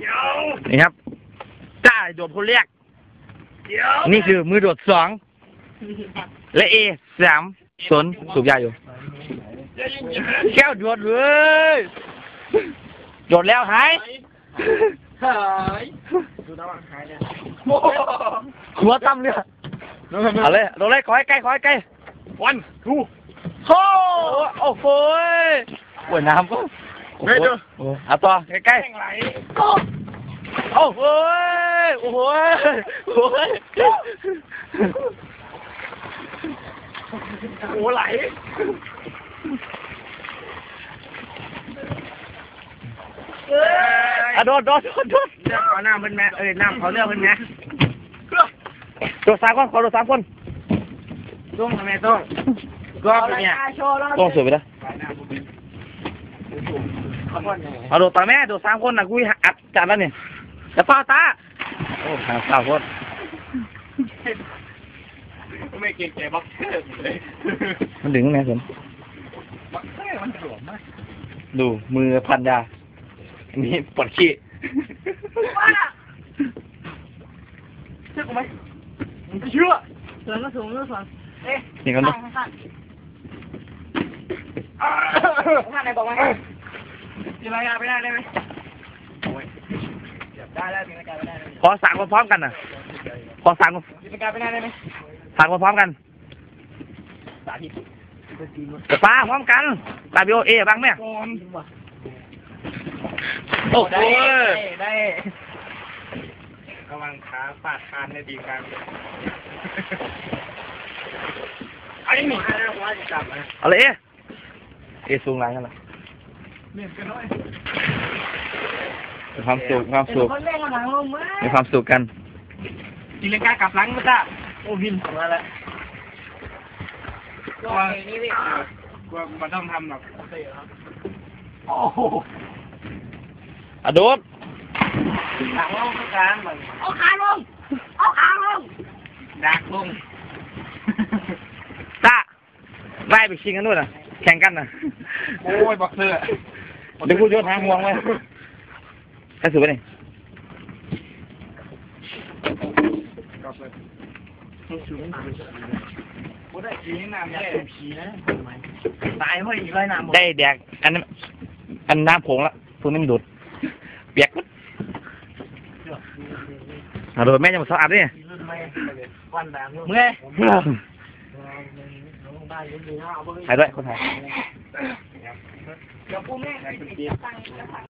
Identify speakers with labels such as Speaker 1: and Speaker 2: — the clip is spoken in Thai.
Speaker 1: นี่ครับจ้าโดดคนแรกนี่คือมือโดดสองและเอสามสนสูบยาอยู่แก้วโดดเลยโดดแล้วหายหัวตั้มเนี่ยเอาเลยโดดเลยขอให้ใกล้วันทูโอ้โอ้โหปวดน้ำก็โอ้โหเอาต่อใกล้โอ้โหโอ้โหโอ้โหโอ้ไหลโดดเอาน้ำเป็นแม่น้ำเขาเลือกเป็นแม่โดด3 คนขอโดด3 คนต้องทำไมต้องก็เป็นเนี่ยต้องสวยไปแล้วเอาโดดต่อแม่โดด3 คนนะกูอัดจัดแล้วเนี่ยจะเฝ้าตาโอ้หา3 คน
Speaker 2: ไม่เก่งใจบ็อกเซอร์เลย
Speaker 1: มันดึงไงสน
Speaker 2: บ็อกเซอร์มันหลวมมาก
Speaker 1: ดูมือพันยาอันนี้ปวดขี้
Speaker 2: เชื่อกูไหมมึงจะเชื่อ
Speaker 3: เสือก็สูงก็สูง
Speaker 1: นี่กันดู
Speaker 3: ท่านไหนบอกว่ามีรายงานไปได้ไหมได้แล้วมีรายงานไปได้
Speaker 1: ขอสั่งพร้อมกันนะขอสั่ง
Speaker 3: มีรายงานไปได้ไหม
Speaker 1: สั่งพร้อมกัน
Speaker 3: สาธิต
Speaker 1: จะป้าพร้อมกันตาบิโอเอบ้างไหมโอ้โห
Speaker 3: ได้
Speaker 2: ระวังขาปาดคานในดีกันไอ้หนูว่าจะจับนะ
Speaker 1: อะไรเอสูงไรกันล่ะ
Speaker 2: เมียนกันน้อย
Speaker 1: มีความสุขมีความสุขกัน
Speaker 2: ตีลังกากลับหลังมาจ้าโอ้พิมพ์มาแล้วกลัวมันต้องทำแบบโอ้โห
Speaker 1: อะโดด
Speaker 2: ดักลงกลางมัน
Speaker 3: เอาขาลง
Speaker 2: ดักลง
Speaker 1: ตาไล่ไปชิงกันด้วยนะแข่งกันนะ
Speaker 2: โอ้ยบอกเสื้อ
Speaker 1: เดี๋ยวกูโยนหางห่วงไว้แค่สุดไปนี่
Speaker 2: ได้ผีน้ำได้ผีนะตายเพราะอีกไรน้ำ
Speaker 1: ได้แดกอันน้ำผงละพวกนี้มันดูดเปียกโดดแม่ยังมาสะอาดเนี่ย
Speaker 2: เมื่อย
Speaker 1: ถ่ายด้วยคนถ่าย
Speaker 3: เดี๋ยวกูแม่